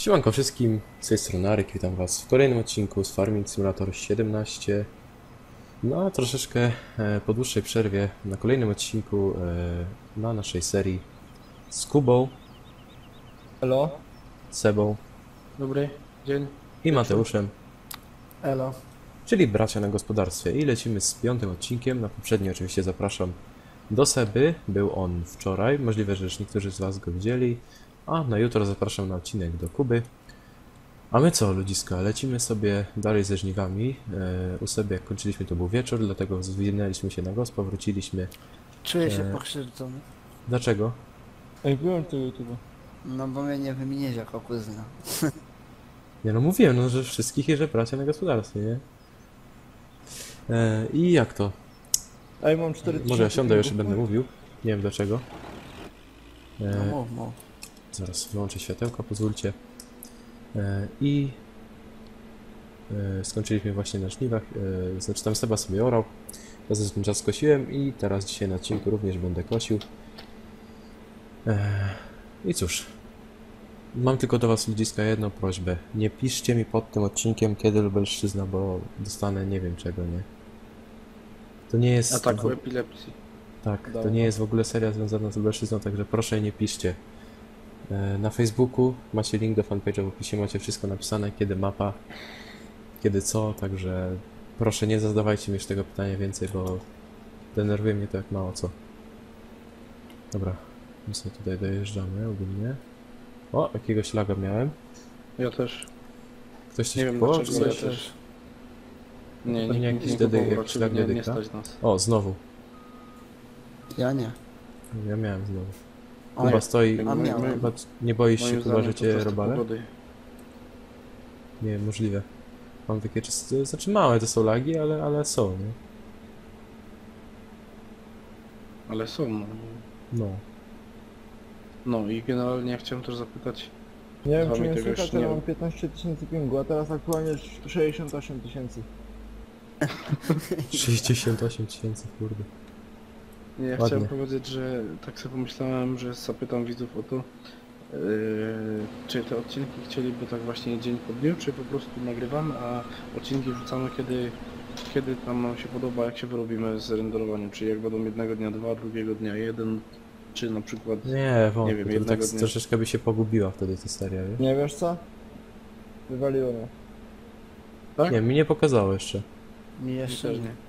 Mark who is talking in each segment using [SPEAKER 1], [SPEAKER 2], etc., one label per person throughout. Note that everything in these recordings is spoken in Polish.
[SPEAKER 1] Siemanko wszystkim, z tej strony Arek, witam was w kolejnym odcinku z Farming Simulator 17. No a troszeczkę po dłuższej przerwie na kolejnym odcinku na naszej serii z Kubą,
[SPEAKER 2] Elo.
[SPEAKER 1] Sebą
[SPEAKER 2] Dobry dzień.
[SPEAKER 1] i Mateuszem,
[SPEAKER 2] Elo.
[SPEAKER 1] czyli bracia na gospodarstwie. I lecimy z 5. odcinkiem. Na poprzedni oczywiście zapraszam do Seby, był on wczoraj, możliwe, że już niektórzy z was go widzieli. A na jutro zapraszam na odcinek do Kuby. A my co, ludziska, lecimy sobie dalej ze żniwami. U Seby jak kończyliśmy to był wieczór, dlatego zwinęliśmy się na gospa, wróciliśmy.
[SPEAKER 3] Czuję się pokrzywdzony.
[SPEAKER 1] Dlaczego?
[SPEAKER 2] Ej, byłem tu YouTube.
[SPEAKER 3] No bo mnie nie wymieniłeś jako kuzyna.
[SPEAKER 1] Nie no, mówiłem, no, że wszystkich i że bracia na gospodarstwie, nie? I jak to?
[SPEAKER 2] Ej, mam 4000.
[SPEAKER 1] Może ja siądę już i będę mówił. Nie wiem dlaczego.
[SPEAKER 3] No mów.
[SPEAKER 1] Zaraz wyłączę światełka, pozwólcie. I skończyliśmy właśnie na żniwach, znaczy tam Seba sobie orał. Ja za ten czas skosiłem i teraz dzisiaj na odcinku również będę kosił. I cóż, mam tylko do was, ludziska, jedną prośbę. Nie piszcie mi pod tym odcinkiem, kiedy Lubelszczyzna, bo dostanę nie wiem czego, nie? To nie jest...
[SPEAKER 2] Ataku epilepsji.
[SPEAKER 1] Tak, to nie jest w ogóle seria związana z Lubelszczyzną, także proszę nie piszcie. Na Facebooku macie link do fanpage'a, w opisie macie wszystko napisane, kiedy mapa, kiedy co, także proszę nie zadawajcie mi już tego pytania więcej, bo denerwuje mnie to jak mało co. Dobra, my sobie tutaj dojeżdżamy ogólnie. O, jakiegoś laga miałem.
[SPEAKER 2] Ja też.
[SPEAKER 1] Ktoś coś
[SPEAKER 2] Nie wiem
[SPEAKER 1] kupował,
[SPEAKER 2] dlaczego,
[SPEAKER 1] czy
[SPEAKER 2] ja
[SPEAKER 1] coś?
[SPEAKER 2] też. Nie,
[SPEAKER 1] Pewnie
[SPEAKER 2] nikt
[SPEAKER 1] jakiś
[SPEAKER 2] nie
[SPEAKER 1] dedy-
[SPEAKER 2] kupował,
[SPEAKER 1] jakiś
[SPEAKER 2] raczej
[SPEAKER 1] lag
[SPEAKER 2] nie
[SPEAKER 1] dedyka.
[SPEAKER 2] stać nas.
[SPEAKER 1] O, znowu.
[SPEAKER 3] Ja nie.
[SPEAKER 1] Ja miałem znowu.
[SPEAKER 3] O,
[SPEAKER 1] Chyba stoi,
[SPEAKER 3] a miałem.
[SPEAKER 1] chyba nie boisz się,
[SPEAKER 2] Moim
[SPEAKER 1] chyba,
[SPEAKER 2] zdaniem
[SPEAKER 1] że
[SPEAKER 2] to
[SPEAKER 1] cię
[SPEAKER 2] kwestia
[SPEAKER 1] robale?
[SPEAKER 2] pogody.
[SPEAKER 1] Nie, możliwe. Mam takie czyste, znaczy małe to są lagi, ale są, nie?
[SPEAKER 2] Ale są.
[SPEAKER 1] No.
[SPEAKER 2] No i generalnie chciałem też zapytać.
[SPEAKER 4] Nie wiem
[SPEAKER 2] Z
[SPEAKER 4] czy
[SPEAKER 2] wami
[SPEAKER 4] mnie
[SPEAKER 2] tego
[SPEAKER 4] słychać,
[SPEAKER 2] jeszcze
[SPEAKER 4] ale
[SPEAKER 2] nie
[SPEAKER 4] mam 15 tysięcy pingu, a teraz aktualnie 68 tysięcy.
[SPEAKER 1] 68 tysięcy, kurde.
[SPEAKER 2] Nie, ja
[SPEAKER 1] Ładnie.
[SPEAKER 2] chciałem powiedzieć, że tak sobie pomyślałem, że zapytam widzów o to, czy te odcinki chcieliby tak właśnie dzień po dniu, czy po prostu nagrywamy, a odcinki wrzucamy kiedy tam nam się podoba, jak się wyrobimy z renderowaniem, czyli jak będą jednego dnia dwa, drugiego dnia jeden, czy na przykład...
[SPEAKER 1] Nie, wątpię,
[SPEAKER 2] wiem,
[SPEAKER 1] to
[SPEAKER 2] jednego
[SPEAKER 1] tak
[SPEAKER 2] dnia.
[SPEAKER 1] troszeczkę by się pogubiła wtedy ta seria, wiesz?
[SPEAKER 4] Nie wiesz co? Wywaliło mnie.
[SPEAKER 2] Tak?
[SPEAKER 1] Nie, mi nie pokazało jeszcze.
[SPEAKER 3] Mi jeszcze
[SPEAKER 2] Też
[SPEAKER 3] nie.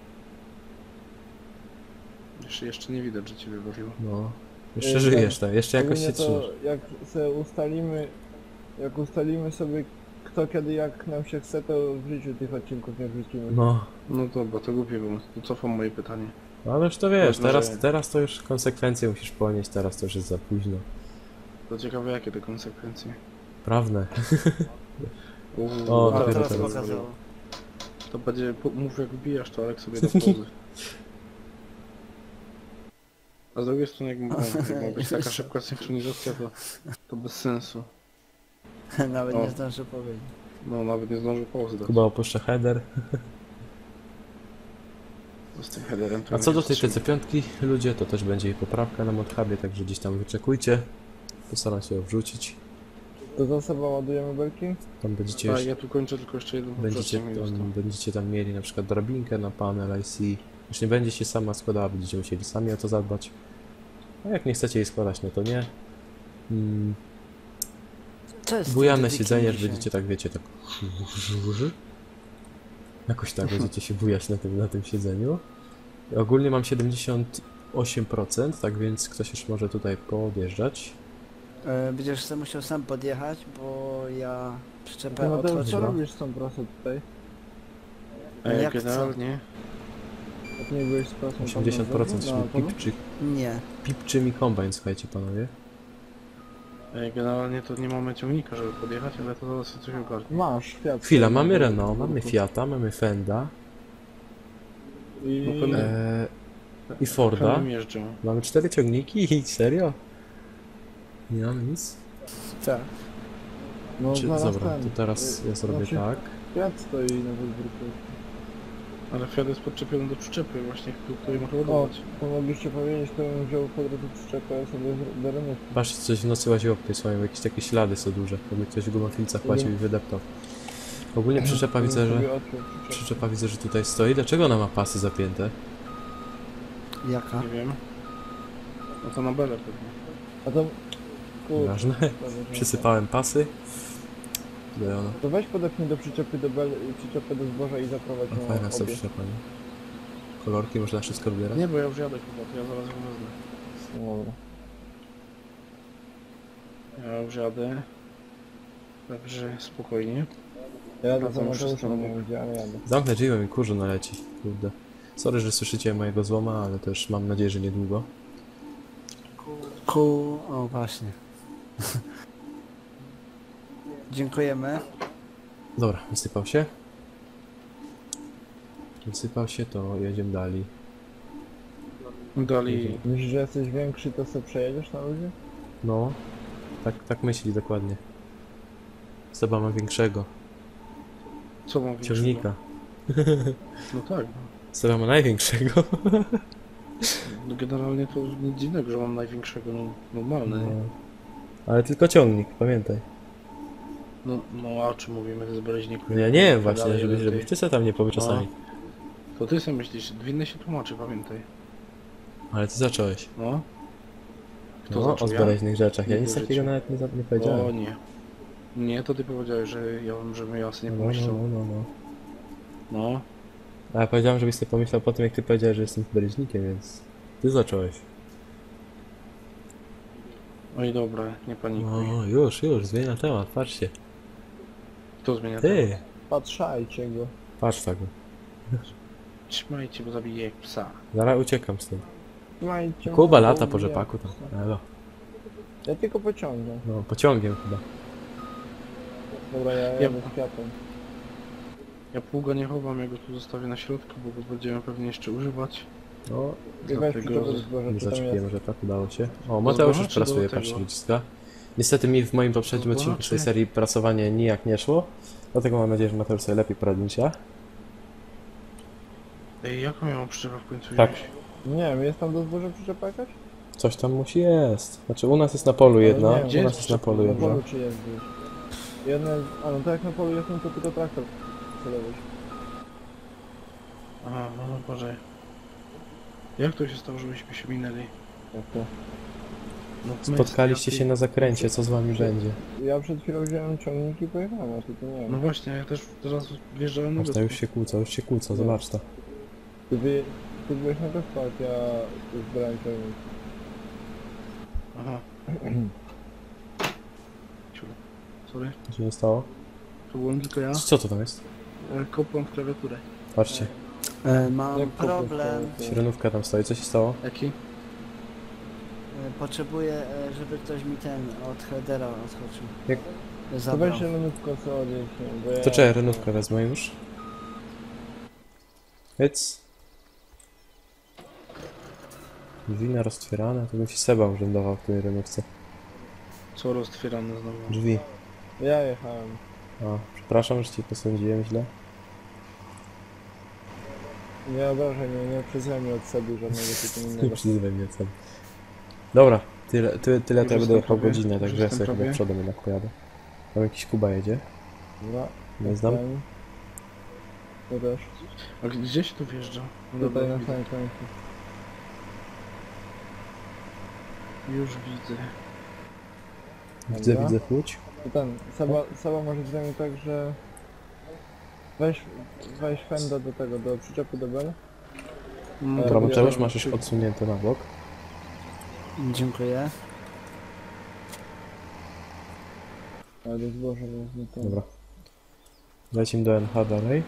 [SPEAKER 2] Jeszcze nie widać, że cię wybawiło.
[SPEAKER 1] No. Jeszcze żyjesz, tak? Jeszcze jakoś
[SPEAKER 4] Ogólnie
[SPEAKER 1] się trzymasz.
[SPEAKER 4] to jak sobie ustalimy sobie kto kiedy jak nam się chce, to w życiu tych odcinków nie wrzucimy.
[SPEAKER 1] No.
[SPEAKER 2] No dobra, to głupie pomysł, to cofam moje pytanie.
[SPEAKER 1] Ale już to wiesz,
[SPEAKER 2] Ważne, że-
[SPEAKER 1] teraz to już konsekwencje musisz ponieść, teraz to już jest za późno.
[SPEAKER 2] To ciekawe jakie te konsekwencje.
[SPEAKER 1] Prawne. O,
[SPEAKER 3] O,
[SPEAKER 1] dopiero
[SPEAKER 3] teraz
[SPEAKER 1] teraz.
[SPEAKER 3] pokazało.
[SPEAKER 2] To będzie, mów jak wbijasz to, Alek sobie do pozy. A z drugiej strony jak ma być taka szybka synchronizacja, to bez sensu.
[SPEAKER 3] Nawet
[SPEAKER 2] O.
[SPEAKER 3] nie zdążę powiedzieć.
[SPEAKER 2] No nawet nie zdążę pauzy dać.
[SPEAKER 1] Kuba opuszcza header.
[SPEAKER 2] Z tym headerem to
[SPEAKER 1] A co do tej
[SPEAKER 2] wstrzymam.
[SPEAKER 1] TC5 ludzie, to też będzie jej poprawka na modhubie, także gdzieś tam wyczekujcie. Postaram się ją wrzucić.
[SPEAKER 4] To za sobą ładujemy belki?
[SPEAKER 1] Tam będziecie
[SPEAKER 2] A
[SPEAKER 1] już,
[SPEAKER 2] ja tu kończę tylko jeszcze jedną poprzednią.
[SPEAKER 1] będziecie tam mieli na przykład drabinkę na panel IC. Już nie będzie się sama składała, będziecie musieli sami o to zadbać. A jak nie chcecie jej składać, no to nie.
[SPEAKER 3] Co jest z tym
[SPEAKER 1] Bujane
[SPEAKER 3] dedykiem
[SPEAKER 1] siedzenie, że
[SPEAKER 3] dzisiaj?
[SPEAKER 1] będziecie tak, wiecie, tak... Jakoś tak będziecie się bujać na tym siedzeniu. Ogólnie mam 78%, tak więc ktoś już może tutaj podjeżdżać.
[SPEAKER 3] Będziesz sobie musiał sam podjechać, bo ja przyczepę
[SPEAKER 4] No to co
[SPEAKER 3] otworzyłem.
[SPEAKER 4] robisz z tą prasą tutaj?
[SPEAKER 3] Jak
[SPEAKER 2] Generalnie
[SPEAKER 4] Jak nie byłeś z prasą tam
[SPEAKER 1] 80%
[SPEAKER 4] na
[SPEAKER 1] czyli
[SPEAKER 4] polu?
[SPEAKER 3] Nie.
[SPEAKER 1] pipczy mi kombajn, słuchajcie panowie.
[SPEAKER 2] generalnie to nie mamy ciągnika, żeby podjechać, ale to zaraz się coś ogarnie.
[SPEAKER 4] Masz, Fiat.
[SPEAKER 1] Chwila, mamy Renault, mamy Fiata, mamy Fenda
[SPEAKER 4] I...
[SPEAKER 2] No pewnie.
[SPEAKER 1] i Forda.
[SPEAKER 2] Pełnym jeżdżą.
[SPEAKER 1] Mamy 4 ciągniki i serio? Nie mamy nic?
[SPEAKER 3] Tak.
[SPEAKER 4] No
[SPEAKER 1] Czy,
[SPEAKER 4] zaraz
[SPEAKER 1] dobra,
[SPEAKER 4] ten.
[SPEAKER 1] to teraz ja zrobię
[SPEAKER 4] znaczy,
[SPEAKER 1] tak.
[SPEAKER 4] Fiat stoi na podwórku.
[SPEAKER 2] Ale Fiat jest podczepiony do przyczepy właśnie, której można
[SPEAKER 4] O,
[SPEAKER 2] ładować.
[SPEAKER 4] to mogliście powiedzieć, to bym wziął po drodze przyczepę sobie do renówki.
[SPEAKER 1] Patrzcie, coś w nocy łaziło po tej słomie, jakieś takie ślady są duże. Jakby ktoś w gumofilcach płacił i wydeptał. Ogólnie przyczepa widzę, że...
[SPEAKER 4] Sobie odpiął przyczepę.
[SPEAKER 1] Przyczepa widzę, że tutaj stoi. Dlaczego ona ma pasy zapięte?
[SPEAKER 3] Jaka?
[SPEAKER 2] Nie wiem. No to na belę pewnie.
[SPEAKER 4] A to... Kurczę,
[SPEAKER 1] Ważne. Przysypałem pasy. Tutaj ona.
[SPEAKER 4] To weź podepnij do przyczepy do bel, przyczepę do zboża i zaprowadź
[SPEAKER 1] No,
[SPEAKER 4] na
[SPEAKER 1] fajna jest ta
[SPEAKER 4] obie.
[SPEAKER 1] przyczepa, nie? Kolorki można wszystko wybierać.
[SPEAKER 2] Nie, bo ja już jadę chyba, to ja zaraz ją wezmę.
[SPEAKER 4] No dobra.
[SPEAKER 2] Ja już jadę. Także spokojnie.
[SPEAKER 4] Ja
[SPEAKER 2] Wracam
[SPEAKER 4] do
[SPEAKER 2] już
[SPEAKER 4] Mateusza
[SPEAKER 2] z
[SPEAKER 4] nie gdzie, ale jadę.
[SPEAKER 1] Zamknę drzwi, bo mi kurzu naleci. Kurde. Sorry, że słyszycie mojego złoma, ale też mam nadzieję, że niedługo.
[SPEAKER 3] O, właśnie. Dziękujemy.
[SPEAKER 1] Dobra, wysypał się. Wysypał się, to jedziemy dalej.
[SPEAKER 2] Dali...
[SPEAKER 4] Myślisz, że jesteś większy, to sobie przejedziesz na ludzie?
[SPEAKER 1] No. Tak myśli dokładnie. Seba ma większego
[SPEAKER 2] Co mam większego?
[SPEAKER 1] ciągnika.
[SPEAKER 2] No tak.
[SPEAKER 1] Seba ma największego.
[SPEAKER 2] No generalnie to nic dziwnego, że mam największego, no normalne.
[SPEAKER 1] No. Ale tylko ciągnik, pamiętaj.
[SPEAKER 2] No a o czym mówimy, to jest Bereźniku.
[SPEAKER 1] No ja nie wiem właśnie,
[SPEAKER 2] Dalej,
[SPEAKER 1] żebyś
[SPEAKER 2] jeden
[SPEAKER 1] żebyś
[SPEAKER 2] ty.
[SPEAKER 1] ty se tam nie powie czasami.
[SPEAKER 2] To ty sobie myślisz, winny się tłumaczy, pamiętaj.
[SPEAKER 1] Ale ty zacząłeś.
[SPEAKER 2] No. Kto
[SPEAKER 1] No, o
[SPEAKER 2] zaczął? Ja?
[SPEAKER 1] zbaleźnych rzeczach. Ja
[SPEAKER 2] Nigdy
[SPEAKER 1] nic
[SPEAKER 2] w
[SPEAKER 1] takiego
[SPEAKER 2] życiu.
[SPEAKER 1] nawet nie
[SPEAKER 2] O
[SPEAKER 1] powiedziałem.
[SPEAKER 2] nie. Nie, to ty powiedziałeś, że żebym ja sobie nie
[SPEAKER 1] No.
[SPEAKER 2] pomyślał. No.
[SPEAKER 1] A ja powiedziałem, żebyś sobie pomyślał po tym, jak ty powiedziałeś, że jestem baleźnikiem, więc ty zacząłeś.
[SPEAKER 2] Oj dobra, nie panikuj.
[SPEAKER 1] No, już, zmienia temat, patrzcie.
[SPEAKER 2] Kto zmienia temat?
[SPEAKER 1] Ty!
[SPEAKER 4] Patrzajcie go.
[SPEAKER 1] Patrz tak.
[SPEAKER 2] Trzymajcie, bo zabiję jak psa.
[SPEAKER 1] Zaraz uciekam stąd.
[SPEAKER 4] Trzymajcie
[SPEAKER 1] Kuba
[SPEAKER 4] mnie,
[SPEAKER 1] lata
[SPEAKER 4] bo
[SPEAKER 1] po
[SPEAKER 4] mnie-
[SPEAKER 1] rzepaku tam. Elo.
[SPEAKER 4] Ja tylko pociągnę.
[SPEAKER 1] No, pociągiem chyba.
[SPEAKER 4] Dobra, ja jadę z Fiatem.
[SPEAKER 2] Ja pługa nie chowam, ja go tu zostawię na środku, bo go będziemy pewnie jeszcze używać.
[SPEAKER 1] No,
[SPEAKER 4] I weź
[SPEAKER 2] Dlatego
[SPEAKER 4] przyczepę do
[SPEAKER 2] z-
[SPEAKER 4] zboża,
[SPEAKER 1] nie
[SPEAKER 4] czy tam
[SPEAKER 1] zaczepiłem
[SPEAKER 4] jest.
[SPEAKER 1] rzepak, udało się. O, Mateusz już
[SPEAKER 2] zboża czy do
[SPEAKER 1] pracuje,
[SPEAKER 2] tego?
[SPEAKER 1] patrzcie, ludziska. Niestety mi w moim poprzednim
[SPEAKER 2] Zboża
[SPEAKER 1] odcinku z tej
[SPEAKER 2] czy-
[SPEAKER 1] serii prasowanie nijak nie szło. Dlatego mam nadzieję, że Mateusz sobie lepiej poradzi niż ja.
[SPEAKER 2] Ej, jaką ja mam przyczepę w końcu
[SPEAKER 1] Tak.
[SPEAKER 2] wziąć?
[SPEAKER 4] Nie wiem, jest tam do zboża przyczepa jakaś?
[SPEAKER 1] Coś tam musi jest. Znaczy u nas jest na polu
[SPEAKER 4] Ale
[SPEAKER 1] jedna,
[SPEAKER 4] nie,
[SPEAKER 1] u
[SPEAKER 2] gdzie
[SPEAKER 1] nas
[SPEAKER 2] jest
[SPEAKER 1] jest na polu
[SPEAKER 4] Na
[SPEAKER 1] jedna.
[SPEAKER 4] polu czy jest gdzieś? Jedna jest... A no to jak na polu jest, no to tylko traktor celować.
[SPEAKER 2] Aha, no Boże. Jak to się stało, żebyśmy się minęli?
[SPEAKER 4] Jak to?
[SPEAKER 2] No, my
[SPEAKER 1] Spotkaliście
[SPEAKER 2] z
[SPEAKER 1] się na zakręcie, co z wami będzie?
[SPEAKER 4] Ja przed chwilą wziąłem ciągnik i pojechałem, a ty to nie
[SPEAKER 2] No
[SPEAKER 4] wiem.
[SPEAKER 2] właśnie, ja też teraz wjeżdżałem na
[SPEAKER 1] Marta,
[SPEAKER 2] wyspę.
[SPEAKER 1] już się kłócą, zobacz to.
[SPEAKER 4] Ty byłeś na wyspach, ja tu zbierałem ciągnik.
[SPEAKER 2] Aha. Ciu. Sorry,
[SPEAKER 1] Co się nie stało?
[SPEAKER 2] to byłem tylko ja.
[SPEAKER 1] Co to tam jest?
[SPEAKER 2] Kopłem w klawiaturę.
[SPEAKER 1] Patrzcie,
[SPEAKER 3] Mam
[SPEAKER 4] Jak
[SPEAKER 3] problem.
[SPEAKER 1] sirenówka tam stoi, co się stało?
[SPEAKER 2] Jaki?
[SPEAKER 3] Potrzebuję, żeby ktoś mi ten od headera odskoczył.
[SPEAKER 1] Jak-
[SPEAKER 4] To
[SPEAKER 3] Zabrał.
[SPEAKER 4] weź zielonówkę co odjeść, bo ja...
[SPEAKER 1] To czekaj, renówkę wezmę już. Hyc. Drzwi roztwierane, to bym ci Seba urzędował w tej renówce.
[SPEAKER 2] Co roztwierane znowu?
[SPEAKER 1] Drzwi.
[SPEAKER 4] Ja jechałem.
[SPEAKER 1] A, przepraszam, że ci posądziłem źle.
[SPEAKER 4] Nie obrażaj mnie, nie przyzwaj mnie od sobie żadnego typu
[SPEAKER 1] Nie
[SPEAKER 4] innego.
[SPEAKER 1] przyzywaj mnie Seba. Dobra, tyle to ja
[SPEAKER 2] Już
[SPEAKER 1] będę
[SPEAKER 2] jestem
[SPEAKER 1] jechał
[SPEAKER 2] prawie,
[SPEAKER 1] godzinę,
[SPEAKER 2] już
[SPEAKER 1] także ja
[SPEAKER 2] jestem
[SPEAKER 1] sobie chyba
[SPEAKER 2] prawie.
[SPEAKER 1] przodem jednak pojadę. Tam jakiś Kuba jedzie,
[SPEAKER 4] Dobra,
[SPEAKER 1] nie znam.
[SPEAKER 4] ten. To też.
[SPEAKER 2] A gdzie się tu wjeżdża? No dobra,
[SPEAKER 4] Tutaj na
[SPEAKER 2] widzę.
[SPEAKER 4] samym końcu.
[SPEAKER 2] Już widzę.
[SPEAKER 1] Widzę,
[SPEAKER 4] Dobra.
[SPEAKER 1] Łódź.
[SPEAKER 4] To ten, Seba może zrobić tak, że... Weź fenda do tego, do przyczepy do bel.
[SPEAKER 2] No,
[SPEAKER 1] Dobra,
[SPEAKER 4] ja
[SPEAKER 1] Mateusz,
[SPEAKER 4] tam-
[SPEAKER 1] masz już odsunięte na bok.
[SPEAKER 3] Dziękuję.
[SPEAKER 4] Ale do zboża wezmę to.
[SPEAKER 1] Dobra. Lecimy do NH dalej.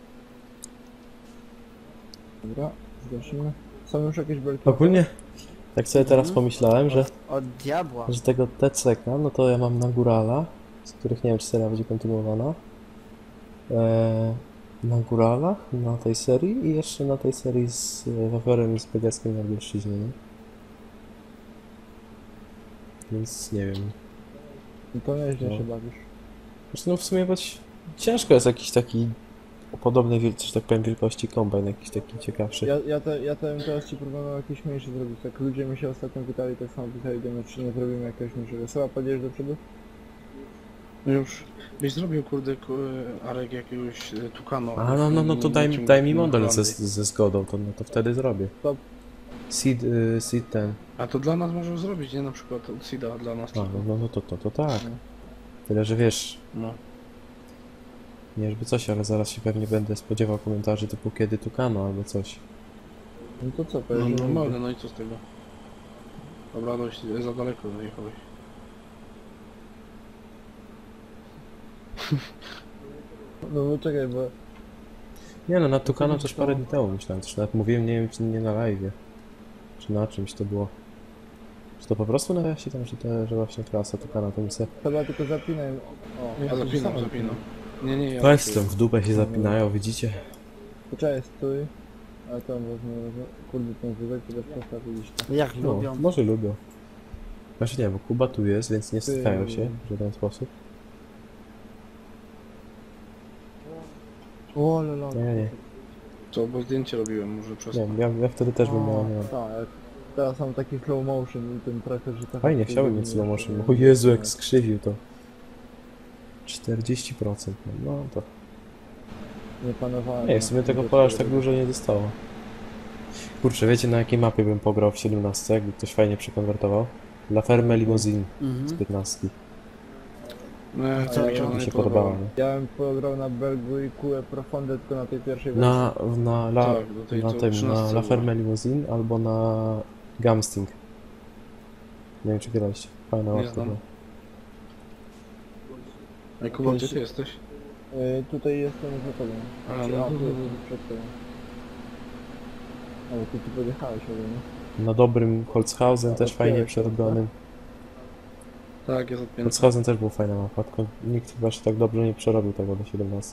[SPEAKER 4] Dobra, zgasimy. Są już jakieś belki?
[SPEAKER 1] Ogólnie, tak sobie teraz pomyślałem, że
[SPEAKER 3] Od diabła.
[SPEAKER 1] tego TCK, no to ja mam na Górala, z których nie wiem, czy seria będzie kontynuowana. Na Góralach, na tej serii i jeszcze na tej serii z Wawerem i z Begeskiem na Lubelszczyźnie, nie? Więc nie wiem.
[SPEAKER 4] No to nieźle
[SPEAKER 1] No.
[SPEAKER 4] się bawisz.
[SPEAKER 1] Zresztą no w sumie ciężko jest jakiś taki o podobnej, że tak powiem, wielkości kombajn, jakiś taki ciekawszy.
[SPEAKER 4] Ja teraz ci proponuję jakiś mniejszy zrobić. Tak ludzie mi się ostatnio pytali, tak samo pytali do mnie, czy nie zrobimy jakiegoś mniejszego. Seba, pojedziesz do przodu?
[SPEAKER 2] No już byś zrobił kurde Arek jakiegoś Tukano.
[SPEAKER 1] A no to daj mi model ze zgodą, to wtedy zrobię.
[SPEAKER 4] Stop.
[SPEAKER 1] Seed ten.
[SPEAKER 2] A to dla nas możesz zrobić, nie? Na przykład od Sida dla nas.
[SPEAKER 1] A, no to tak.
[SPEAKER 4] No.
[SPEAKER 1] Tyle, że wiesz,
[SPEAKER 2] No.
[SPEAKER 1] nie żeby coś, ale zaraz się pewnie będę spodziewał komentarzy typu kiedy Tukano albo coś.
[SPEAKER 4] No to co,
[SPEAKER 2] No
[SPEAKER 4] pojedziemy?
[SPEAKER 2] normalne, no i co z tego? Dobra, dość za daleko zajechałeś.
[SPEAKER 4] No bo czekaj, bo...
[SPEAKER 1] Nie no, na Tukano
[SPEAKER 4] to
[SPEAKER 1] też
[SPEAKER 4] to-
[SPEAKER 1] parę dni temu myślałem, też nawet mówiłem, nie wiem czy nie na live'ie, czy na czymś to było. Czy to po prostu na razie tam, że właśnie klasa Tukano to mi se...
[SPEAKER 4] Chyba tylko zapinaj... O,
[SPEAKER 2] Ja zapinam. Nie, ja
[SPEAKER 1] Weź tam w dupę się zapinają, widzicie?
[SPEAKER 4] Poczekaj, stój. Ale tam wezmę... Kurde, ten wózek, to też postawiliście.
[SPEAKER 3] Jak
[SPEAKER 1] No,
[SPEAKER 3] lubią.
[SPEAKER 1] może lubią. Znaczy nie, bo Kuba tu jest, więc nie stykają się w żaden sposób.
[SPEAKER 4] O, lala.
[SPEAKER 1] Nie.
[SPEAKER 2] Co, bo zdjęcie robiłem, może przez
[SPEAKER 1] Nie, ja wtedy też bym miał, nie wiem.
[SPEAKER 4] Tak, teraz mam taki slow motion i ten tracker, że tak...
[SPEAKER 1] Fajnie, chciałbym mieć slow motion. O Jezu, jak skrzywił to. 40%, no to...
[SPEAKER 4] Nie panowałem.
[SPEAKER 1] Nie, w sumie tego pola aż tak dużo nie zostało. Kurczę, wiecie na jakiej mapie bym pograł w 17, jakby ktoś fajnie przekonwertował? La Ferme Limousine z
[SPEAKER 3] Mhm.
[SPEAKER 1] 15.
[SPEAKER 2] Nie,
[SPEAKER 3] Co,
[SPEAKER 2] mi się
[SPEAKER 3] ja-
[SPEAKER 2] ona
[SPEAKER 1] Mi
[SPEAKER 2] nie
[SPEAKER 1] się
[SPEAKER 2] podobała.
[SPEAKER 1] podobała, nie?
[SPEAKER 4] Ja bym pograł na Belgu i QE Profonde tylko na tej pierwszej wersji.
[SPEAKER 2] Tak, do tej
[SPEAKER 1] na
[SPEAKER 2] to
[SPEAKER 1] tym,
[SPEAKER 2] 13
[SPEAKER 1] na La
[SPEAKER 2] była.
[SPEAKER 1] Ferme Limousine albo na Gamsting. Nie wiem czy graliście. Fajna
[SPEAKER 2] Nie
[SPEAKER 1] mapka
[SPEAKER 2] znam.
[SPEAKER 1] była.
[SPEAKER 2] Ej, Kuba, gdzie ty jesteś?
[SPEAKER 4] Tutaj jestem za tobą.
[SPEAKER 2] A,
[SPEAKER 4] Znaczy,
[SPEAKER 2] no,
[SPEAKER 4] tu
[SPEAKER 2] no,
[SPEAKER 4] jestem przed tobą. Ale ty tu podjechałeś ode mnie.
[SPEAKER 1] Na dobrym Holzhausen też fajnie
[SPEAKER 4] Otwierać,
[SPEAKER 1] przerobionym.
[SPEAKER 2] Tak, jest odpięty.
[SPEAKER 1] Holzhausen też był fajna mapa, tylko nikt chyba się tak dobrze nie przerobił tego do 17.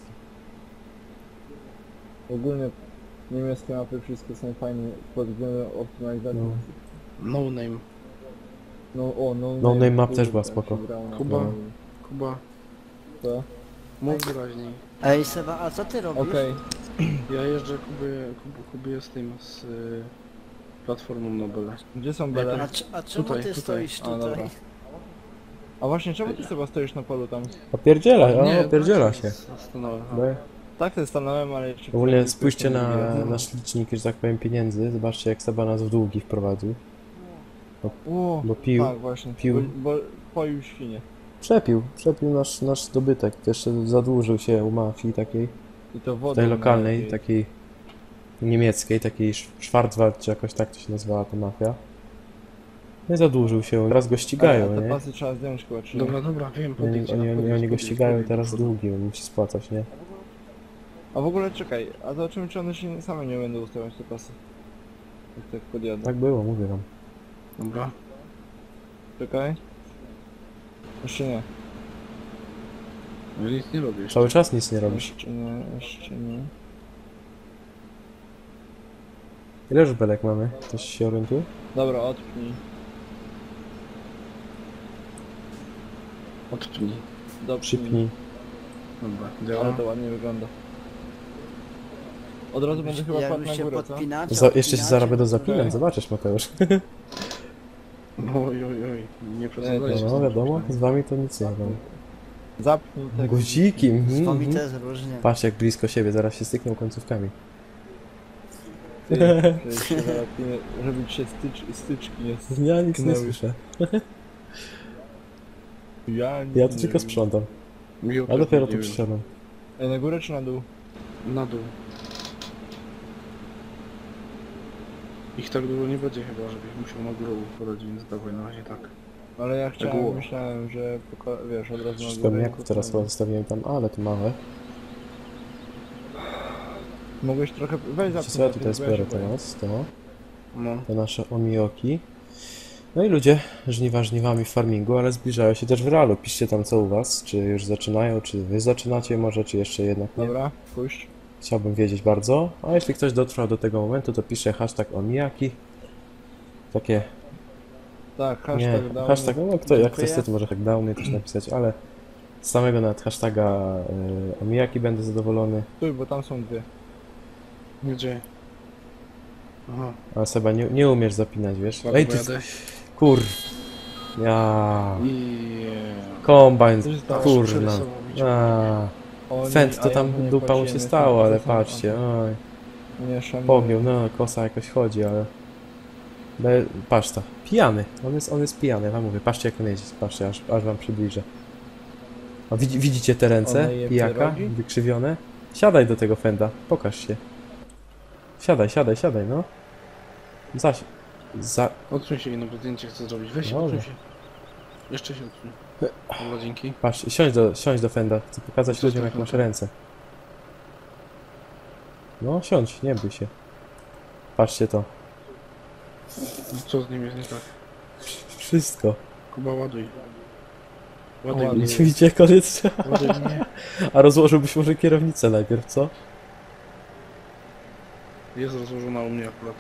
[SPEAKER 4] Ogólnie niemieckie mapy wszystkie są fajne pod względem optymalizacji.
[SPEAKER 1] No.
[SPEAKER 2] No name.
[SPEAKER 4] No
[SPEAKER 1] Name Map
[SPEAKER 4] kurde,
[SPEAKER 1] też była
[SPEAKER 4] tam
[SPEAKER 1] spoko.
[SPEAKER 4] się grało na
[SPEAKER 2] Kuba.
[SPEAKER 4] tym.
[SPEAKER 2] Kuba,
[SPEAKER 4] Co?
[SPEAKER 2] mów wyraźniej.
[SPEAKER 3] Ej Seba, a co ty robisz?
[SPEAKER 4] Okej.
[SPEAKER 2] Ja jeżdżę Kubie z tym, z platformą Nobel.
[SPEAKER 4] Gdzie są
[SPEAKER 3] A,
[SPEAKER 4] bele?
[SPEAKER 3] a czemu
[SPEAKER 2] Tutaj,
[SPEAKER 3] ty
[SPEAKER 2] tutaj.
[SPEAKER 3] stoisz
[SPEAKER 4] A,
[SPEAKER 3] tutaj?
[SPEAKER 4] dobra. A właśnie, czemu ty chyba stoisz na polu tam?
[SPEAKER 1] Opierdziela się.
[SPEAKER 2] Stanąłem.
[SPEAKER 1] No,
[SPEAKER 4] Tak, to stanąłem, ale jeszcze...
[SPEAKER 1] ogólnie spójrzcie na
[SPEAKER 4] na...
[SPEAKER 1] nasz licznik, że tak powiem, pieniędzy. Zobaczcie jak Seba nas w długi wprowadził.
[SPEAKER 4] O,
[SPEAKER 1] Bo pił.
[SPEAKER 4] tak właśnie,
[SPEAKER 1] pił.
[SPEAKER 4] bo poił świnie.
[SPEAKER 1] Przepił nasz dobytek. Jeszcze zadłużył się u mafii takiej,
[SPEAKER 4] I to wodą.
[SPEAKER 1] tej lokalnej,
[SPEAKER 4] najlepiej.
[SPEAKER 1] takiej niemieckiej, takiej Schwarzwald, czy jakoś tak to się nazywała ta mafia. Nie zadłużył się, teraz go ścigają,
[SPEAKER 4] Te
[SPEAKER 1] nie?
[SPEAKER 4] pasy trzeba zdjąć chyba, czy nie?
[SPEAKER 2] Dobra, wiem,
[SPEAKER 1] Oni,
[SPEAKER 2] podjedź.
[SPEAKER 1] oni go ścigają i teraz długi, on musi spłacać, nie?
[SPEAKER 4] A w ogóle czekaj, a zobaczymy czy one się same nie będą ustawiać te pasy. Jak tak podjadę.
[SPEAKER 1] Tak było, mówię wam.
[SPEAKER 2] Dobra.
[SPEAKER 4] Czekaj. Jeszcze nie.
[SPEAKER 2] Ja nic nie robię jeszcze.
[SPEAKER 1] Cały czas nic nie robisz.
[SPEAKER 4] Jeszcze nie.
[SPEAKER 1] Ile już belek mamy? Ktoś się orientuje?
[SPEAKER 4] Dobra, odpnij.
[SPEAKER 2] Odpnij.
[SPEAKER 4] Dopnij.
[SPEAKER 1] Przypnij.
[SPEAKER 2] Dobra,
[SPEAKER 4] Ale
[SPEAKER 2] działa.
[SPEAKER 4] to ładnie wygląda. Od razu będę chyba
[SPEAKER 3] Jak
[SPEAKER 4] padł
[SPEAKER 3] już
[SPEAKER 4] na
[SPEAKER 3] się
[SPEAKER 4] górę, co?
[SPEAKER 3] podpinacie,
[SPEAKER 1] Jeszcze się
[SPEAKER 3] odpinacie,
[SPEAKER 1] zaraz będą
[SPEAKER 3] to-
[SPEAKER 1] zapinać,
[SPEAKER 4] Okej.
[SPEAKER 1] zobaczysz Mateusz.
[SPEAKER 2] Oj, nie przesadzajcie.
[SPEAKER 1] No wiadomo, z wami to nic nie robię.
[SPEAKER 4] Zapnij tego.
[SPEAKER 1] Guzikiem.
[SPEAKER 3] Z wami
[SPEAKER 1] mhm.
[SPEAKER 3] też różnie.
[SPEAKER 1] Patrz jak blisko siebie, zaraz się stykną końcówkami.
[SPEAKER 4] Ty, przecież się załatwimy, żeby ci się styczki nie...
[SPEAKER 1] Ja nic nie
[SPEAKER 4] Knęły.
[SPEAKER 1] słyszę.
[SPEAKER 4] Ja,
[SPEAKER 1] Ja to tylko sprzątam.
[SPEAKER 2] Miło,
[SPEAKER 1] A dopiero
[SPEAKER 2] nie
[SPEAKER 1] tu
[SPEAKER 2] wiem.
[SPEAKER 1] przyszedłem.
[SPEAKER 4] Ej, na górę czy na dół?
[SPEAKER 2] Na dół. Ich tak dużo nie będzie chyba, żebyś musiał na górę poradzić, więc dawaj na razie tak.
[SPEAKER 4] Ale ja
[SPEAKER 2] było.
[SPEAKER 4] myślałem, że wiesz, od razu na
[SPEAKER 1] Przecież
[SPEAKER 4] górę.
[SPEAKER 1] pewniaków teraz chyba zostawiłem tam, ale to małe.
[SPEAKER 4] Mogłeś trochę... Weź
[SPEAKER 1] Wiecie
[SPEAKER 4] zapnij.
[SPEAKER 1] co, ja
[SPEAKER 4] na
[SPEAKER 1] tutaj
[SPEAKER 4] tym, bo ja
[SPEAKER 1] zbiorę
[SPEAKER 4] się boję.
[SPEAKER 1] teraz to.
[SPEAKER 2] No.
[SPEAKER 1] Te nasze omioki. No i ludzie, żniwa żniwami w farmingu, ale zbliżają się też w realu. Piszcie tam co u was, czy już zaczynają, czy wy zaczynacie może, czy jeszcze jednak nie.
[SPEAKER 4] Dobra, puść.
[SPEAKER 1] Chciałbym wiedzieć bardzo. A jeśli ktoś dotrwał do tego momentu, to pisze hashtag omijaki. Takie,
[SPEAKER 4] Tak,
[SPEAKER 1] nie,
[SPEAKER 4] hashtag dał.
[SPEAKER 1] hashtag, no kto, jak
[SPEAKER 3] Dziękuję.
[SPEAKER 1] chcesz, to może tak downy też napisać, ale Z samego nawet hashtaga omijaki będę zadowolony.
[SPEAKER 4] Stój, bo tam są dwie.
[SPEAKER 2] Gdzie? Aha,
[SPEAKER 1] Ale Seba, nie umiesz zapinać, wiesz?
[SPEAKER 2] ładnie
[SPEAKER 1] Ej, ty...
[SPEAKER 2] pojadę.
[SPEAKER 1] Kur... Ja...
[SPEAKER 2] I...
[SPEAKER 1] Kombajn,
[SPEAKER 4] Co się stało?
[SPEAKER 1] kurna.
[SPEAKER 2] Przerysował mi się.
[SPEAKER 1] A,
[SPEAKER 4] Oni-
[SPEAKER 1] Fent
[SPEAKER 4] a
[SPEAKER 1] to
[SPEAKER 4] ja
[SPEAKER 1] tam
[SPEAKER 4] nie
[SPEAKER 1] dupa mu się
[SPEAKER 4] płaciłem,
[SPEAKER 1] stało, ale
[SPEAKER 4] jestem
[SPEAKER 1] patrzcie, oj.
[SPEAKER 4] Nie szanuję.
[SPEAKER 1] Pogiął, no, kosa jakoś chodzi, ale... Patrz to, pijany, on jest pijany, ja wam mówię, patrzcie jak on jeździ, patrzcie, aż wam przybliżę. A widzicie te ręce
[SPEAKER 4] One je
[SPEAKER 1] pijaka,
[SPEAKER 4] pierogi?
[SPEAKER 1] wykrzywione? Siadaj do tego Fenda, pokaż się. Siadaj, no.
[SPEAKER 2] Odsuń się, jedno zdjęcie chcę zrobić. Weź się,
[SPEAKER 1] Dobra.
[SPEAKER 2] odsuń się. Jeszcze się odsuń. Dobra, dzięki.
[SPEAKER 1] Patrz, siądź do Fenda, chcę pokazać
[SPEAKER 2] Co
[SPEAKER 1] ludziom
[SPEAKER 2] to
[SPEAKER 1] jak masz
[SPEAKER 2] Fenda?
[SPEAKER 1] ręce. No, siądź, nie bój się. Patrzcie to.
[SPEAKER 2] Co z nim jest nie tak?
[SPEAKER 1] Wszystko.
[SPEAKER 2] Kuba, ładuj. Ładuj
[SPEAKER 4] Ładuj.
[SPEAKER 2] mnie.
[SPEAKER 1] Widzicie, koniec.
[SPEAKER 2] Ładuj mnie.
[SPEAKER 1] A rozłożyłbyś może kierownicę najpierw, co?
[SPEAKER 2] Jest rozłożona u mnie akurat.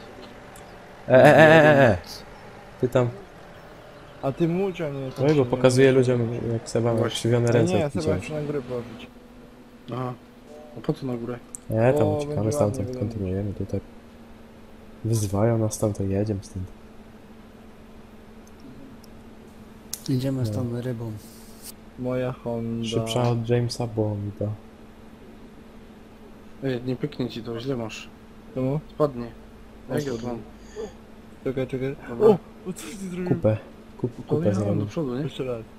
[SPEAKER 1] Ty tam...
[SPEAKER 4] A ty mulcz, a nie...
[SPEAKER 1] Oj, bo pokazuję ludziom jak Seba ma
[SPEAKER 2] Właśnie.
[SPEAKER 1] krzywione
[SPEAKER 4] Ale
[SPEAKER 1] ręce
[SPEAKER 4] nie, ja
[SPEAKER 1] od
[SPEAKER 4] sobie
[SPEAKER 1] picia.
[SPEAKER 4] muszę na górę położyć.
[SPEAKER 2] Aha. A po co na górę?
[SPEAKER 1] Nie, tam
[SPEAKER 4] O,
[SPEAKER 1] uciekamy
[SPEAKER 4] będzie
[SPEAKER 1] stamtąd,
[SPEAKER 4] ładnie
[SPEAKER 1] kontynuujemy tutaj. Wyzywają nas tam, to jedziemy stąd.
[SPEAKER 3] Idziemy z tą rybą.
[SPEAKER 4] Moja Honda.
[SPEAKER 1] Szybsza od Jamesa Bonda.
[SPEAKER 2] Ej, nie pyknie ci to, źle masz.
[SPEAKER 4] Czemu?
[SPEAKER 2] Spadnie. Jak ja
[SPEAKER 4] spadnie.
[SPEAKER 2] to mam?
[SPEAKER 4] Czekaj.
[SPEAKER 2] Dobra.
[SPEAKER 4] O, co ty zrobił?
[SPEAKER 1] Kupę. Kupę
[SPEAKER 2] Pojechałem do
[SPEAKER 1] zrobił.
[SPEAKER 2] przodu, nie?
[SPEAKER 4] Jeszcze raz.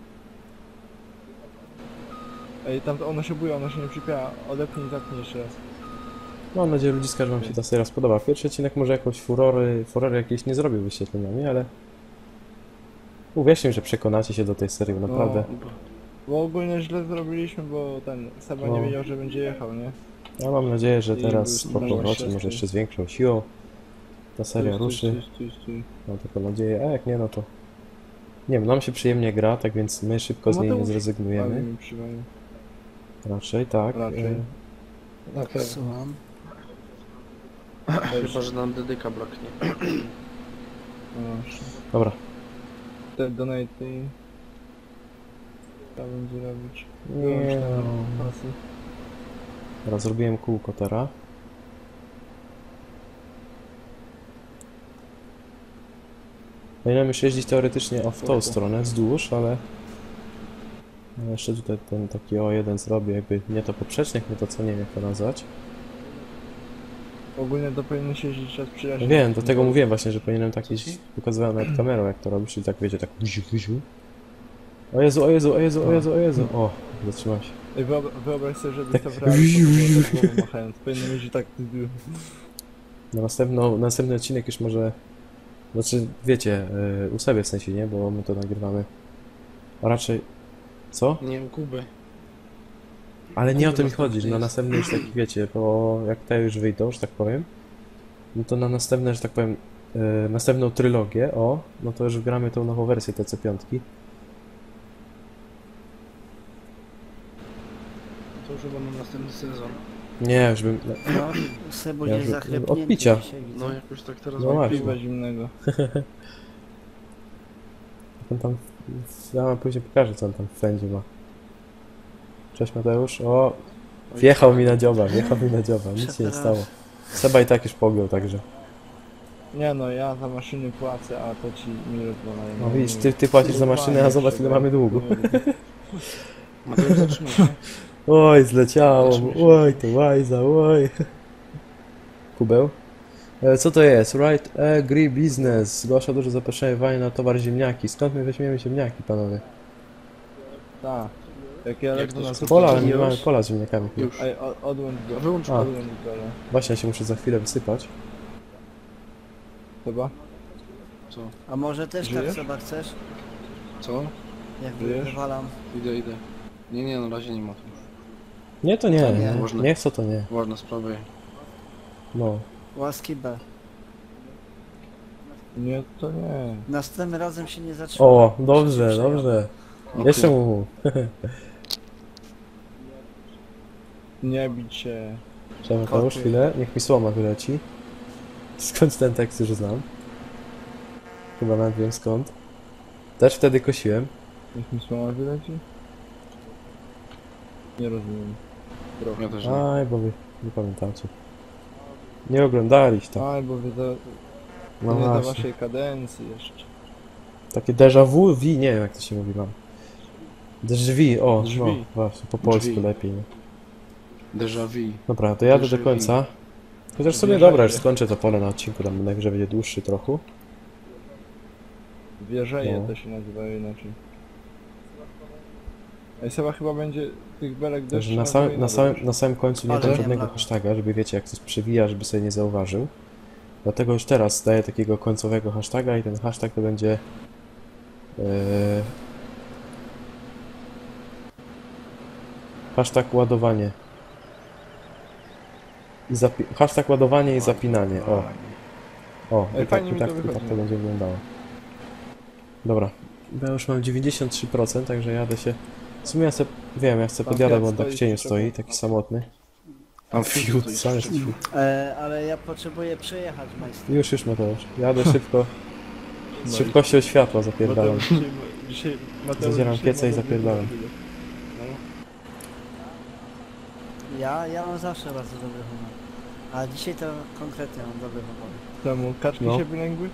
[SPEAKER 4] Ej, tam ona się buje, ona się nie przypiała. Odepnij i zapnij jeszcze raz.
[SPEAKER 1] Mam nadzieję, ludziska, że wam się ta seria spodoba. Pierwszy odcinek może jakoś furory jakieś nie zrobił wyświetleniami, ale... Uwierzcie mi, że przekonacie się do tej serii, naprawdę.
[SPEAKER 2] No,
[SPEAKER 4] Bo ogólnie źle zrobiliśmy, bo ten Seba
[SPEAKER 1] No.
[SPEAKER 4] nie wiedział, że będzie jechał, nie?
[SPEAKER 1] Ja mam nadzieję, że
[SPEAKER 4] I
[SPEAKER 1] teraz
[SPEAKER 4] już
[SPEAKER 1] po
[SPEAKER 4] będzie
[SPEAKER 1] powrocie,
[SPEAKER 4] szesty.
[SPEAKER 1] może jeszcze z większą siłą, ta seria ruszy.
[SPEAKER 4] Stój.
[SPEAKER 1] Mam taką nadzieję, a jak nie, no to... Nie wiem, nam się przyjemnie gra, tak więc my szybko z niej nie
[SPEAKER 4] Mateusz, Ale
[SPEAKER 1] zrezygnujemy.
[SPEAKER 4] mi przywalił.
[SPEAKER 1] Raczej, tak.
[SPEAKER 4] Raczej.
[SPEAKER 2] Na pewno.
[SPEAKER 3] Słucham.
[SPEAKER 2] Chyba, że nam dedyka braknie.
[SPEAKER 4] Proszę.
[SPEAKER 1] Dobra.
[SPEAKER 4] Te donate i... Trzeba będzie robić.
[SPEAKER 1] Nie.
[SPEAKER 4] Pasy.
[SPEAKER 1] Teraz zrobiłem kółko teraz. Powinienem już jeździć teoretycznie w tą stronę, wzdłuż, ale... No jeszcze tutaj ten taki O1 zrobię, jakby nie to poprzecznik, nie to co, nie wiem jak to nazwać.
[SPEAKER 4] Ogólnie to powinno się jeździć czas
[SPEAKER 1] No
[SPEAKER 4] przyjaźni.
[SPEAKER 1] wiem, do tego mówiłem właśnie, że powinienem tak iść, pokazywałem nawet kamerą jak to robisz, czyli tak wiecie, tak wuziu. O Jezu, o, zatrzymałem się.
[SPEAKER 4] Ej, wyobraź sobie, żeby
[SPEAKER 1] Tak.
[SPEAKER 4] to w realu tak głową machając. Powinno jeździć tak...
[SPEAKER 1] Na następny odcinek już może... Znaczy, wiecie, u siebie w sensie, nie? Bo my to nagrywamy. A raczej... Co?
[SPEAKER 2] Nie u Kuby.
[SPEAKER 1] Ale nie o to mi
[SPEAKER 2] następny
[SPEAKER 1] chodzi, że na
[SPEAKER 2] jest.
[SPEAKER 1] następny już taki, wiecie, bo jak te już wyjdą, że tak powiem, no to na następne, że tak powiem, następną trylogię, no to już gramy tą nową wersję TC5.
[SPEAKER 2] To już chyba na następny sezon.
[SPEAKER 1] Nie, już bym...
[SPEAKER 3] No, Sebu
[SPEAKER 1] Ja
[SPEAKER 3] jest
[SPEAKER 1] już-
[SPEAKER 3] zachlepnięty
[SPEAKER 1] od picia.
[SPEAKER 3] dzisiaj, widzę.
[SPEAKER 2] No jakoś tak teraz
[SPEAKER 1] No
[SPEAKER 2] mam
[SPEAKER 1] właśnie.
[SPEAKER 2] piwo.
[SPEAKER 4] Piwa zimnego.
[SPEAKER 1] On tam... Ja wam później pokażę, co on tam w fędzie ma. Cześć Mateusz. O, wjechał mi na dzioba, nic się nie stało. Seba i tak już pogiął, także...
[SPEAKER 4] Nie no, ja za maszyny płacę, a to ci mi rozwalają.
[SPEAKER 1] No widzisz, ty płacisz za maszynę, a zobacz ile mamy długu.
[SPEAKER 2] Mateusz, zatrzymaj się.
[SPEAKER 1] Oj, zleciało,
[SPEAKER 2] Zatrzymaj się.
[SPEAKER 1] oj, to łajza, oj. Kubeł? Co to jest? Right Agri Business. Zgłasza duże zapotrzebowanie na towar ziemniaki. Skąd my weźmiemy ziemniaki, panowie?
[SPEAKER 4] Tak. Jak ja
[SPEAKER 2] Jak
[SPEAKER 4] lecę
[SPEAKER 2] to
[SPEAKER 4] na
[SPEAKER 2] jest?
[SPEAKER 1] Pola, ale my
[SPEAKER 2] Już?
[SPEAKER 1] mamy pola z ziemniakami.
[SPEAKER 2] Już.
[SPEAKER 4] Ej, odłącz go.
[SPEAKER 2] Wyłącz
[SPEAKER 1] A.
[SPEAKER 2] go.
[SPEAKER 4] Odłącz go.
[SPEAKER 1] Właśnie, ja się muszę za chwilę wysypać.
[SPEAKER 4] Chyba?
[SPEAKER 2] Co?
[SPEAKER 3] A może też tak
[SPEAKER 4] Żyjesz?
[SPEAKER 3] Seba chcesz?
[SPEAKER 2] Co?
[SPEAKER 3] Jak
[SPEAKER 4] Żyjesz?
[SPEAKER 3] wywalam.
[SPEAKER 2] Idę. Nie, na razie nie ma tu.
[SPEAKER 1] Nie, to nie.
[SPEAKER 3] To nie.
[SPEAKER 1] Nie, nie chcę, to nie.
[SPEAKER 2] Ważna sprawa.
[SPEAKER 1] No.
[SPEAKER 3] Łaski B.
[SPEAKER 4] Nie, to nie.
[SPEAKER 3] Następnym razem się nie zatrzymam.
[SPEAKER 1] O, dobrze, dobrze.
[SPEAKER 2] Okej.
[SPEAKER 1] Jeszcze mu.
[SPEAKER 4] Nie bić się.
[SPEAKER 1] Trzeba Mateusz,
[SPEAKER 3] Koty.
[SPEAKER 1] chwilę. Niech mi słoma wyleci. Skąd ten tekst już znam? Chyba nawet wiem skąd. Też wtedy kosiłem.
[SPEAKER 4] Niech mi słoma wyleci. Nie rozumiem. Trochę.
[SPEAKER 2] Ja też nie.
[SPEAKER 1] Aj, bo wy nie pamiętacie. Nie oglądaliście to.
[SPEAKER 4] Aj, bo wy to
[SPEAKER 1] No
[SPEAKER 4] nie za
[SPEAKER 1] właśnie.
[SPEAKER 4] waszej kadencji jeszcze.
[SPEAKER 1] Takie déjà vu, nie wiem jak to się mówi wam. Drzwi, o,
[SPEAKER 2] Drzwi.
[SPEAKER 1] no właśnie, po polsku
[SPEAKER 2] Drzwi.
[SPEAKER 1] lepiej. Nie?
[SPEAKER 2] Déjà vu.
[SPEAKER 1] Dobra, to jadę do
[SPEAKER 2] Déjà
[SPEAKER 1] końca. Chociaż sobie
[SPEAKER 4] Wierzę,
[SPEAKER 1] dobra, już
[SPEAKER 4] że-
[SPEAKER 1] skończę to pole na odcinku, tam najwyżej będzie dłuższy trochę.
[SPEAKER 4] Wierzeje
[SPEAKER 1] No.
[SPEAKER 4] to się nazywają inaczej. Ej, Seba chyba będzie tych belek
[SPEAKER 1] Także
[SPEAKER 4] deszczu
[SPEAKER 1] na, na samym końcu nie
[SPEAKER 3] Ale
[SPEAKER 1] dam
[SPEAKER 3] nie
[SPEAKER 1] żadnego
[SPEAKER 3] ma.
[SPEAKER 1] hashtaga, żeby wiecie jak coś przewija, żeby sobie nie zauważył. Dlatego już teraz daję takiego końcowego hashtaga i ten hashtag to będzie... hashtag ładowanie. Hashtag ładowanie i zapinanie, o. O,
[SPEAKER 4] Ej,
[SPEAKER 1] i tak,
[SPEAKER 4] fajnie
[SPEAKER 1] i
[SPEAKER 4] mi
[SPEAKER 1] tak,
[SPEAKER 4] to
[SPEAKER 1] i tak
[SPEAKER 4] wychodzi.
[SPEAKER 1] to będzie wyglądało. Dobra, ja już mam 93%, także jadę się... W sumie ja se, wiem, ja chcę
[SPEAKER 4] Tam
[SPEAKER 1] podjadę,
[SPEAKER 4] Fiat
[SPEAKER 1] bo on tak w
[SPEAKER 4] stoi
[SPEAKER 1] cieniu
[SPEAKER 4] przy
[SPEAKER 1] stoi, taki samotny.
[SPEAKER 2] Tam
[SPEAKER 1] Fiut,
[SPEAKER 2] fiut,
[SPEAKER 1] sam jest fiut.
[SPEAKER 3] Ale ja potrzebuję przejechać, majster.
[SPEAKER 1] Już Mateusz. Jadę szybko. Z
[SPEAKER 4] No i-
[SPEAKER 1] szybkością światła zapierdalam.
[SPEAKER 4] Mateusz dzisiaj
[SPEAKER 1] Zadzieram
[SPEAKER 4] dzisiaj
[SPEAKER 1] pieca i
[SPEAKER 4] ma
[SPEAKER 1] zapierdalam.
[SPEAKER 4] chwilę.
[SPEAKER 3] Ja mam zawsze bardzo dobry humor. A dzisiaj to konkretnie mam dobry humor.
[SPEAKER 4] Temu kaczki
[SPEAKER 1] No.
[SPEAKER 4] się wylęgły?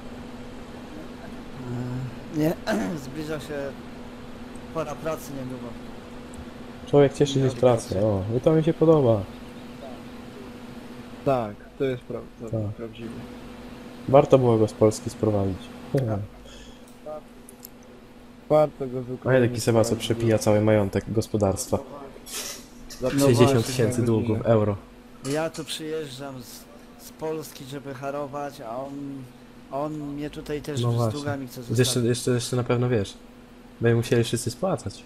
[SPEAKER 3] Nie, zbliża się pora pracy niedługo.
[SPEAKER 1] Człowiek cieszy się z pracy. O, i to mi się podoba.
[SPEAKER 4] Tak, to jest prawda,
[SPEAKER 1] Tak.
[SPEAKER 4] prawdziwe.
[SPEAKER 1] Warto było go z Polski sprowadzić.
[SPEAKER 4] Warto go zwykle.
[SPEAKER 1] A ja taki Seba, co przepija cały majątek gospodarstwa.
[SPEAKER 4] Za
[SPEAKER 1] 60
[SPEAKER 3] właśnie,
[SPEAKER 1] 000
[SPEAKER 4] na
[SPEAKER 1] długów,
[SPEAKER 4] godzinę.
[SPEAKER 1] euro.
[SPEAKER 3] Ja tu przyjeżdżam z Polski, żeby harować, a on mnie tutaj też
[SPEAKER 1] No
[SPEAKER 3] z
[SPEAKER 1] właśnie.
[SPEAKER 3] długami chce
[SPEAKER 1] Jeszcze,
[SPEAKER 3] zostawić.
[SPEAKER 1] jeszcze na pewno wiesz. Będą musieli wszyscy spłacać.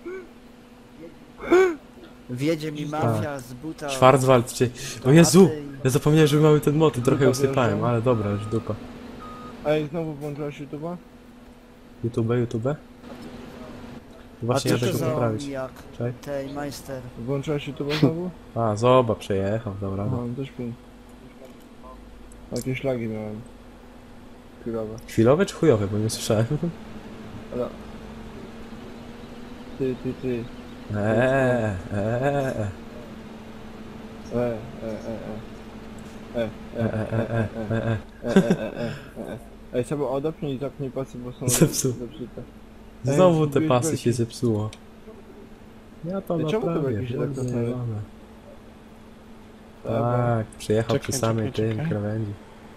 [SPEAKER 3] Wjedzie mi mafia z buta.
[SPEAKER 1] Schwarzwald czy... O Jezu! Ja zapomniałem, że mamy ten moty, trochę
[SPEAKER 4] Dupa
[SPEAKER 1] usypałem,
[SPEAKER 4] wjeżdża.
[SPEAKER 1] ale dobra, już dupa.
[SPEAKER 4] Ej, znowu włączyłaś YouTube'a?
[SPEAKER 1] YouTube?
[SPEAKER 3] A
[SPEAKER 1] Właśnie
[SPEAKER 3] co
[SPEAKER 1] jadę
[SPEAKER 3] to
[SPEAKER 1] go
[SPEAKER 3] za
[SPEAKER 1] poprawić.
[SPEAKER 3] jak
[SPEAKER 1] Czekaj.
[SPEAKER 3] tej majster?
[SPEAKER 4] Włączyłaś YouTube'a znowu?
[SPEAKER 1] A, zoba, przejechał, dobra.
[SPEAKER 4] Aha, też pięć. Jakieś lagi miałem. Chwilowe.
[SPEAKER 1] Chwilowe czy chujowe, bo nie słyszałem.
[SPEAKER 4] Ale... Ty.
[SPEAKER 1] Eee.
[SPEAKER 4] Ej, sobie odepnij i zapnij pasy, bo są
[SPEAKER 1] Zepsuł.
[SPEAKER 4] zepsute.
[SPEAKER 1] Znowu te
[SPEAKER 4] zgubiłeś
[SPEAKER 1] pasy
[SPEAKER 4] belki.
[SPEAKER 1] się zepsuło. Ja to
[SPEAKER 4] Ej, czemu te
[SPEAKER 1] naprawię.
[SPEAKER 4] belki się tak
[SPEAKER 1] kurde,
[SPEAKER 4] cofnęły?
[SPEAKER 1] jebane.
[SPEAKER 4] Dobra.
[SPEAKER 1] Tak, przyjechał
[SPEAKER 2] Czekaj,
[SPEAKER 1] przy samej
[SPEAKER 2] czekaj,
[SPEAKER 1] tym
[SPEAKER 2] czekaj.
[SPEAKER 1] krawędzi.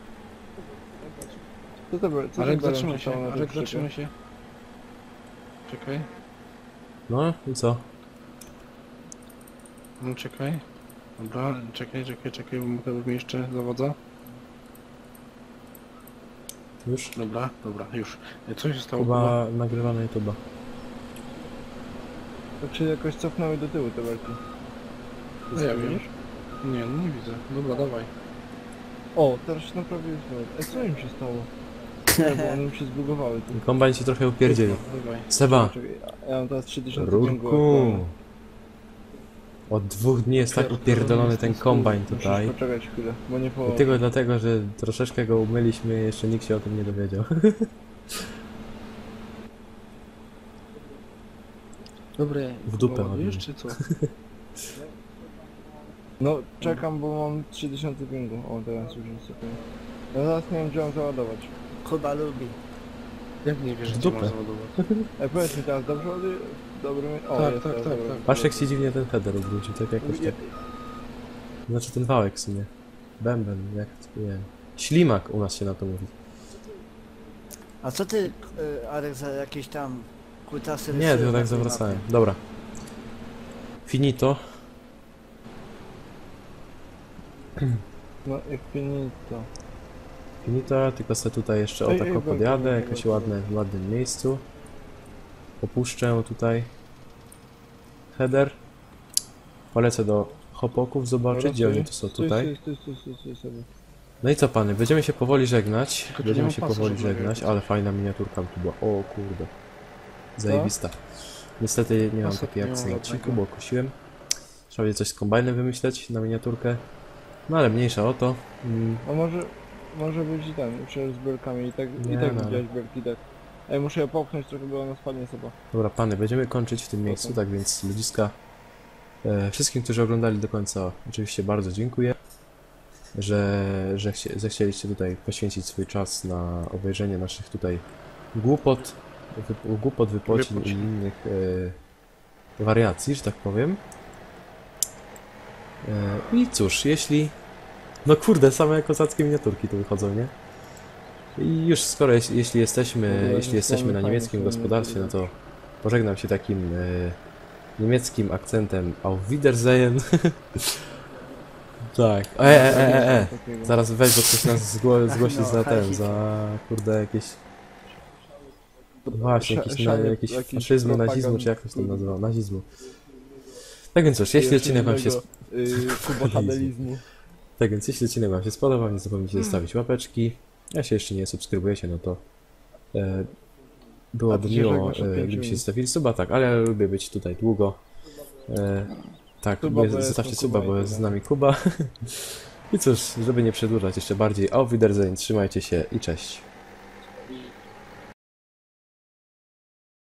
[SPEAKER 4] Co to było? Co
[SPEAKER 2] Arek,
[SPEAKER 4] to belem
[SPEAKER 2] zatrzymaj się,
[SPEAKER 4] przystało na tej
[SPEAKER 2] Arek,
[SPEAKER 4] przyczepie?
[SPEAKER 2] zatrzymaj się. Czekaj.
[SPEAKER 1] No i co?
[SPEAKER 2] No czekaj. Dobra, czekaj, bo mi jeszcze zawodza.
[SPEAKER 1] Już?
[SPEAKER 2] Dobra, już. Co się stało? Kuba?
[SPEAKER 1] Chyba nagrywamy YouTube'a.
[SPEAKER 4] To czy jakoś cofnęły do tyłu te belki?
[SPEAKER 2] No ja wiem. Nie, no nie widzę. Dobra, dawaj.
[SPEAKER 4] O, teraz się naprawiły znowu. Ej, co im się stało? Nie, bo one mi się zbugowały tu.
[SPEAKER 1] Kombajn się trochę upierdzielił.
[SPEAKER 2] Dawaj.
[SPEAKER 1] Seba!
[SPEAKER 4] Czekaj, ja mam teraz 3000
[SPEAKER 1] Rurku! Od 2 dni jest tak upierdolony ten kombajn
[SPEAKER 4] Musisz
[SPEAKER 1] tutaj.
[SPEAKER 4] poczekać chwilę, bo nie po...
[SPEAKER 1] I tylko dlatego, że troszeczkę go umyliśmy, jeszcze nikt się o tym nie dowiedział.
[SPEAKER 2] Dobre,
[SPEAKER 1] W dupę
[SPEAKER 2] ładujesz
[SPEAKER 1] ładnie.
[SPEAKER 2] czy co?
[SPEAKER 4] No, czekam, bo mam 3000 pingu. O, teraz już jest okej. Ja zaraz nie wiem, gdzie mam załadować.
[SPEAKER 3] Kuba lubi.
[SPEAKER 2] Jak nie wiesz,
[SPEAKER 1] W
[SPEAKER 2] gdzie
[SPEAKER 1] dupę.
[SPEAKER 2] masz załadować?
[SPEAKER 4] Ej, powiedz mi teraz, dobrze ładuję? Dobry mi... O,
[SPEAKER 2] Tak,
[SPEAKER 4] jest
[SPEAKER 2] tak,
[SPEAKER 4] teraz
[SPEAKER 2] tak,
[SPEAKER 4] dobry.
[SPEAKER 2] tak.
[SPEAKER 1] Patrz jak się dziwnie ten header odwrócił, tak jakoś tak. Znaczy ten wałek w sumie. Bęben, jak to nie wiem. Ślimak u nas się na to mówi.
[SPEAKER 3] A co ty, Arek, za jakieś tam kutasy
[SPEAKER 1] Nie,
[SPEAKER 3] rysujesz
[SPEAKER 1] tylko
[SPEAKER 3] na
[SPEAKER 1] tak
[SPEAKER 3] tej
[SPEAKER 1] zawracałem.
[SPEAKER 3] mapie?
[SPEAKER 1] Dobra. Finito.
[SPEAKER 4] No, jak finito.
[SPEAKER 1] Finito, tylko sobie tutaj jeszcze o
[SPEAKER 4] Ej,
[SPEAKER 1] tako
[SPEAKER 4] ej,
[SPEAKER 1] podjadę,
[SPEAKER 4] belki,
[SPEAKER 1] jakoś
[SPEAKER 4] belki.
[SPEAKER 1] w ładnym miejscu. Opuszczę tutaj header. Polecę do hopoków zobaczyć, gdzie oni to są tutaj.
[SPEAKER 4] Stój sobie.
[SPEAKER 1] No i co pany, będziemy się powoli żegnać.
[SPEAKER 2] Tylko tu
[SPEAKER 1] Będziemy
[SPEAKER 2] nie ma
[SPEAKER 1] się
[SPEAKER 2] pasu,
[SPEAKER 1] powoli
[SPEAKER 2] żeby
[SPEAKER 1] żegnać,
[SPEAKER 2] jechać.
[SPEAKER 1] ale fajna miniaturka tu była. O kurde. Zajebista. Niestety nie mam
[SPEAKER 2] Pasu
[SPEAKER 1] takiej
[SPEAKER 2] nie ma
[SPEAKER 1] akcji na
[SPEAKER 2] żadnego.
[SPEAKER 1] odcinku, bo kosiłem. Trzeba będzie coś z kombajnem wymyśleć na miniaturkę. No ale mniejsza o to.
[SPEAKER 4] A może być i ten, przecież z belkami i tak
[SPEAKER 1] Nie, no.
[SPEAKER 4] widziałeś belki, tak. Ej, muszę je popchnąć trochę, bo ona spadnie sobie.
[SPEAKER 1] Dobra pany, będziemy kończyć w tym miejscu, tak więc ludziska Wszystkim, którzy oglądali do końca, oczywiście bardzo dziękuję, że zechcieliście tutaj poświęcić swój czas na obejrzenie naszych tutaj głupot, wypocin i innych wariacji, że tak powiem. I cóż, no kurde, same kozackie miniaturki tu wychodzą, nie? I już skoro, jeśli jesteśmy na niemieckim gospodarstwie, no to pożegnam się takim niemieckim akcentem Auf Wiedersehen. Tak. Zaraz weź, bo ktoś nas zgłosi za kurde jakieś... Właśnie, jakieś faszyzmu, nazizmu, czy jak to się tam nazywa? Nazizmu. Tak więc cóż, jeśli odcinek wam się... Tak więc jeśli odcinek wam się spodobał, nie zapomnijcie zostawić łapeczki. Jeśli jeszcze nie subskrybujecie, no to byłoby miło, gdybyście zostawili suba, tak, ale ja lubię być tutaj długo. Tak, zostawcie suba, bo jest z nami Kuba. I cóż, żeby nie przedłużać jeszcze bardziej, auf Wiedersehen, trzymajcie się i cześć.